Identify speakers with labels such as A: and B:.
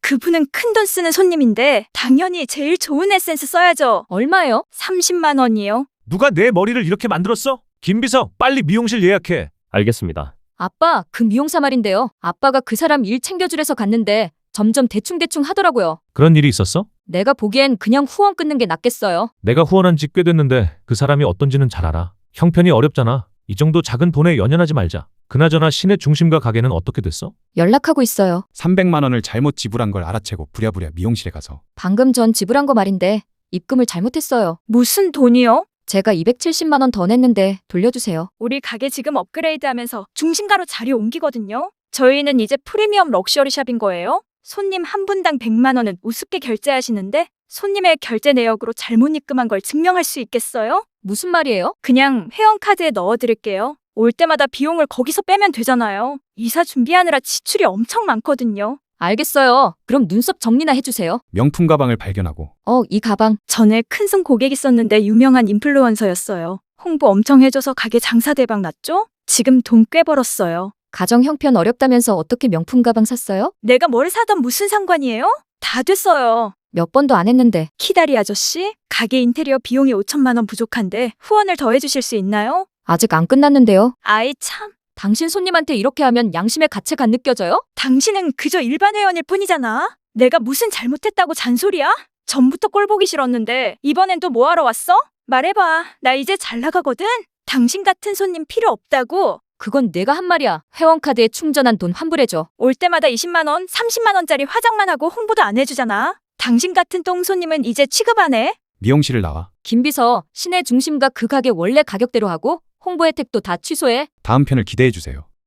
A: 그분은 큰돈 쓰는 손님인데 당연히 제일 좋은 에센스 써야죠.
B: 얼마예요?
A: 30만 원이요.
C: 누가 내 머리를 이렇게 만들었어? 김비서, 빨리 미용실 예약해.
D: 알겠습니다.
B: 아빠, 그 미용사 말인데요. 아빠가 그 사람 일 챙겨주래서 갔는데 점점 대충대충 하더라고요.
C: 그런 일이 있었어?
B: 내가 보기엔 그냥 후원 끊는 게 낫겠어요.
C: 내가 후원한 지 꽤 됐는데 그 사람이 어떤지는 잘 알아. 형편이 어렵잖아. 이 정도 작은 돈에 연연하지 말자. 그나저나 시내 중심가 가게는 어떻게 됐어?
B: 연락하고 있어요.
E: 300만 원을 잘못 지불한 걸 알아채고 부랴부랴 미용실에 가서
B: 방금 전 지불한 거 말인데 입금을 잘못했어요.
A: 무슨 돈이요?
B: 제가 270만 원 더 냈는데 돌려주세요.
A: 우리 가게 지금 업그레이드 하면서 중심가로 자리 옮기거든요. 저희는 이제 프리미엄 럭셔리 샵인 거예요. 손님 한 분당 100만 원은 우습게 결제하시는데 손님의 결제 내역으로 잘못 입금한 걸 증명할 수 있겠어요?
B: 무슨 말이에요?
A: 그냥 회원카드에 넣어드릴게요. 올 때마다 비용을 거기서 빼면 되잖아요. 이사 준비하느라 지출이 엄청 많거든요.
B: 알겠어요. 그럼 눈썹 정리나 해주세요.
E: 명품 가방을 발견하고
B: 이 가방.
A: 전에 큰손 고객 있었는데 유명한 인플루언서였어요. 홍보 엄청 해줘서 가게 장사 대박 났죠? 지금 돈 꽤 벌었어요.
B: 가정 형편 어렵다면서 어떻게 명품 가방 샀어요?
A: 내가 뭘 사던 무슨 상관이에요? 다 됐어요.
B: 몇 번도 안 했는데.
A: 키다리 아저씨, 가게 인테리어 비용이 5천만 원 부족한데 후원을 더 해주실 수 있나요?
B: 아직 안 끝났는데요.
A: 아이 참,
B: 당신 손님한테 이렇게 하면 양심의 가책 안 느껴져요?
A: 당신은 그저 일반 회원일 뿐이잖아. 내가 무슨 잘못했다고 잔소리야? 전부터 꼴 보기 싫었는데 이번엔 또 뭐하러 왔어? 말해봐. 나 이제 잘 나가거든. 당신 같은 손님 필요 없다고.
B: 그건 내가 한 말이야. 회원카드에 충전한 돈 환불해줘.
A: 올 때마다 20만 원, 30만 원짜리 화장만 하고 홍보도 안 해주잖아. 당신 같은 똥 손님은 이제 취급 안 해.
E: 미용실을 나와
B: 김비서, 시내 중심가 그 가게 원래 가격대로 하고 홍보 혜택도 다 취소해.
E: 다음 편을 기대해 주세요.